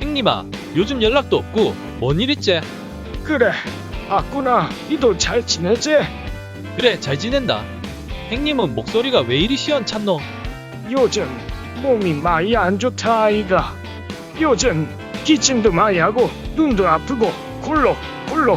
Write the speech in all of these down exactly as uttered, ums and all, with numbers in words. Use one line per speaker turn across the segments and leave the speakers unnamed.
행님아, 요즘 연락도 없고 뭔 일 있지?
그래, 아꾸나, 니도 잘 지내지?
그래, 잘 지낸다. 행님은 목소리가 왜 이리 시원찮노?
요즘 몸이 많이 안 좋다 아이가. 요즘 기침도 많이 하고 눈도 아프고 굴러 굴러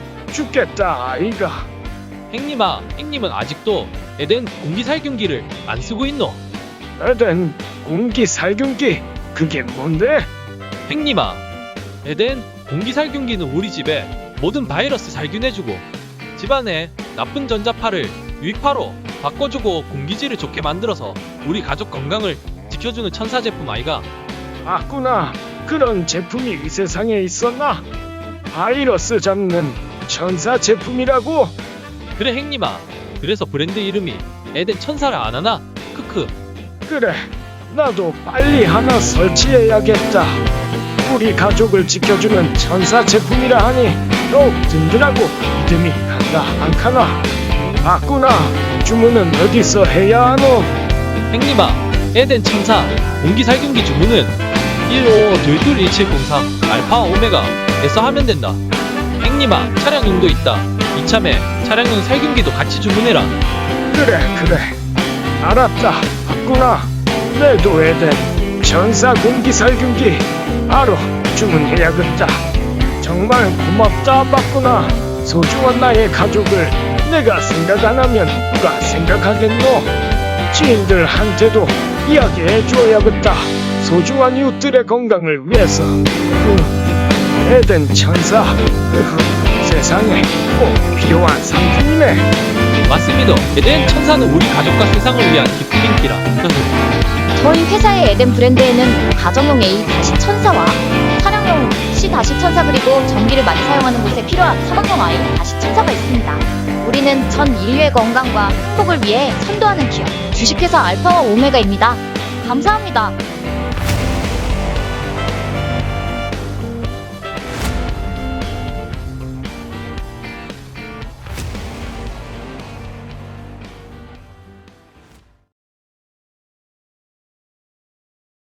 죽겠다 아이가.
행님아, 행님은 아직도 에덴 공기살균기를 안 쓰고 있노?
에덴 공기살균기 그게 뭔데?
행님아, 에덴 공기살균기는 우리 집에 모든 바이러스 살균해주고 집안에 나쁜 전자파를 유익파로 바꿔주고 공기질을 좋게 만들어서 우리 가족 건강을 지켜주는 천사 제품 아이가.
아꾸나, 그런 제품이 이 세상에 있었나? 바이러스 잡는 천사 제품이라고?
그래 행님아, 그래서 브랜드 이름이 에덴 천사라 안 하나? 크크.
그래, 나도 빨리 하나 설치해야겠다. 우리 가족을 지켜주는 천사 제품이라 하니 더욱 든든하고 믿음이 간다 않카나. 아꾸나, 주문은 어디서 해야 하노?
행님아, 에덴 천사 공기살균기 주문은 일오오 이칠공삼 알파 오메가에서 하면 된다. 행님아, 차량용도 있다. 이참에 차량용 살균기도 같이 주문해라.
그래 그래, 알았다. 아꾸나, 내도 에덴 천사 공기살균기 바로 주문해야겠다. 정말 고맙다 바꾸나. 소중한 나의 가족을 내가 생각 안 하면 누가 생각하겠노? 지인들한테도 이야기해줘야겠다. 소중한 이웃들의 건강을 위해서. 음, 에덴 천사, 으흐, 세상에 꼭 필요한 상품이네.
맞습니다. 에덴 천사는 우리 가족과 세상을 위한 기쁜 인기라.
저희 회사의 에덴 브랜드에는 가정용 A 다시 천사와 차량용 C 다시 천사 그리고 전기를 많이 사용하는 곳에 필요한 사막용 I 다시 천사가 있습니다. 우리는 전 인류의 건강과 행복을 위해 선도하는 기업 주식회사 알파와 오메가입니다. 감사합니다.